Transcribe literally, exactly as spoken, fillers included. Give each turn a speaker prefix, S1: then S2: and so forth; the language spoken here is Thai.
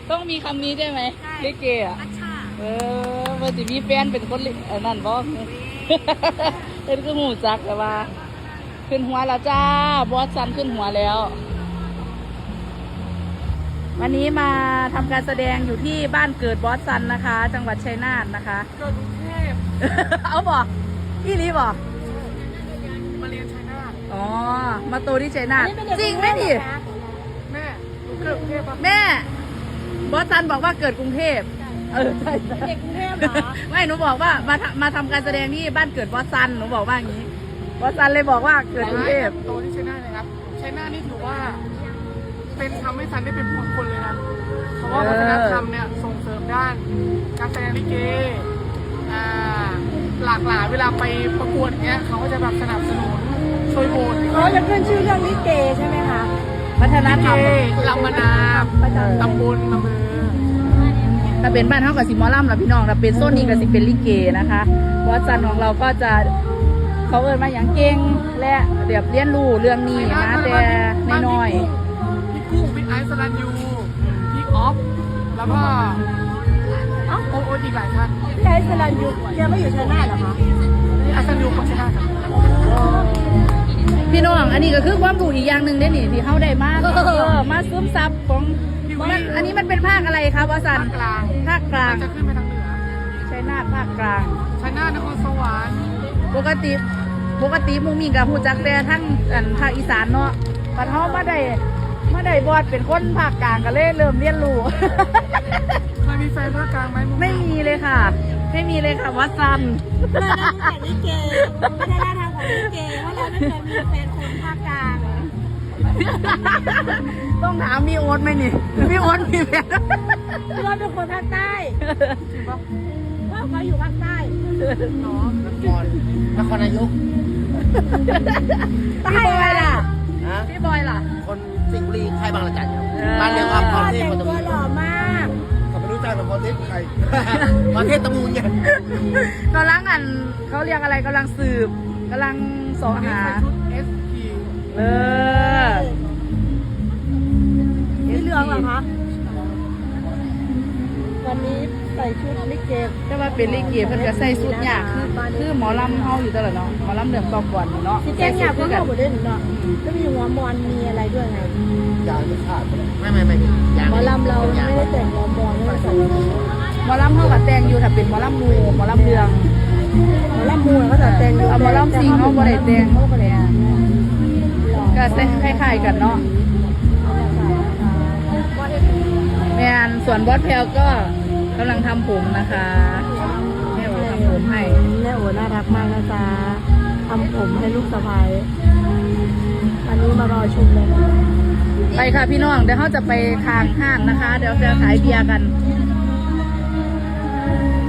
S1: ต้องมีคำนี้ใช่ไหมลิเกอ่ะเออมันจะมีแฟนเป็นคนนั่นบ่เป็นคือหูจักแต่ว่าขึ้นหัวแล้วจ้าบอสซันขึ้นหัวแล้ววันนี้มาทำการแสดงอยู่ที่บ้านเกิดบอสซันนะคะ จังหวัดชัยนาทนะคะ
S2: เกิดกรุงเทพ
S1: เอาบอกพี่ลีบอก
S2: มาเรียนชัยนาท
S1: อ๋อมาโตที่ชัยนาทจริงไหมดิ
S2: แม่หนูเกิดกรุงเทพ
S1: แม่บอสซันบอกว่าเกิดกรุงเทพเออใช่
S3: เด็กกรุงเทพเหรอ
S1: ไม่หนูบอกว่ามามาทำการแสดงที่บ้านเกิดบอสซันหนูบอกว่าอย่างนี้บอสซันเลยบอกว่าเกิดกรุงเทพ
S2: โตที่ชัยนาทเลยครับชัยนาทนี่ถือว่าเป็นทำให้ซันได้เป็นผู้คนเลยนะเพราะว่าวัฒนธรรมเนี่ยส่งเสริมด้านการแสดงลิเกอ่าหลากหลายเวลาไปประกวดเนี้ยเขาก็จะแบบสนับสนุนช่วยโหวต
S3: เขาจะขึ้นชื่อเรื่องลิเกใช่ไหมคะ
S1: วัฒนธรรม
S2: ลำมานามตำบลอำเภอ
S1: ถ้าเป็นบ้านเท่ากับสิมอลัมล่ะพี่น้องถ้าเป็นโซนนี้กับสิเป็นลิเกนะคะบอสซันของเราก็จะเขาเอิญมาอย่างเก่งและเดี๋ยวเรียนรู้เรื่องนี้นะแต่น้อย
S2: พี่กุ้งพี่ไอซ์สรัญยูพี่ออฟแล้วก็อ๋อโอ้อีกหลายท่าน
S3: พี่ไอซ์สรัญยูยังไม่อยู่ชัยนาทเหรอคะ
S2: พี่ไอซ์สรัญยูของชัยนาทครับ
S1: พี่น้องอันนี้ก็คือความรู้อีกอย่างหนึ่งได้หนิที่เขาได้มากมาซึมซับของมันอันนี้มันเป็นภาคอะไรครับบอสซัน
S2: ภาคกลาง
S1: ภาคกลาง
S2: จะขึ้นไปทางเหนือ
S1: ชัยนาทภาคกลาง
S2: ชัยนาทนครสวรรค์
S1: ปกติปกติมูมีกับผู้จักแต่ทั้งภาคอีสานเนาะปัดเขามาได้มาได้บอสเป็นคนภาคกลางก็เลยเริ่มเรียนรู้
S2: เคยมีแฟนภาคกลางไหม
S1: ไม่มีเลยค่ะไม่มีเลยค่ะวัดซัน
S3: เราได้แต่ลิเกไม่ได้ท่าทางของลิเกว่าเราไม่เคยมีแฟนคนภาคกลาง
S1: ต้องถามมีโอ๊ตไหมนี่มีโอ๊ตมีแฟน
S3: พี่โอ๊ตเป็นคนภาคใต้
S2: จริงปะ
S3: ว่าเขาอยู่ภาคใต้
S2: เนาะนครนครนายก
S1: พี่บอยล่ะพี่บอยล่ะ
S4: คนสิงห์บุรีใครบางระจัน
S3: บ้
S4: านเดียวกับพรเทพ
S3: แต่งตัวหล่อมาก
S4: เขาไม่รู้จักกับพรเทพใครพรเทพตะมูนเนี่ย
S1: กำลังอันเขาเรียกอะไรกำลังสืบกำลังสอหา
S2: ชุด เอส พี
S1: เออ
S3: นี่เรื่องเหรอคะวันนี้ใส่ชุดลิเก
S1: แต่ว่าเป็นลิเกเพิ่นก็ใส่ชุดยากคือคือหมอลำเฮาอยู่ตลอดเนาะหมอลำเดือดตอกก่อนเนาะ
S3: ที่แจ้งยากก็เข้าหมดเลยเนาะก็มีหัวมอนมีอะไรด้วยไง
S4: ยางไม่ขาดไม่ไม่ไม่
S3: หมอลำเราไม่ได้แต่งหัวมอนไม่ได้ใส่
S1: หมอลำเฮาก็แต่งอยู่ถ้าเป็นหมอลำมูหมอลำเรือง
S3: หมอลำมูเขาจะแต่ง
S1: เอาหมอลำซิงเขาบ่ได้แต่งเขาก็เลยก็คล้ายๆกันเนาะแม่นส่วนบอสแพลก็กำลังทำผมนะคะแม่โอทำผมให้
S3: แม่โอน่ารักมากนะจ๊ะทำผมให้ลูกสะใภ้อันนี้มารอชมเลย
S1: ไปค่ะพี่น้องเดี๋ยวเขาจะไปทางห้างนะคะเดี๋ยวจะขายเบียร์กัน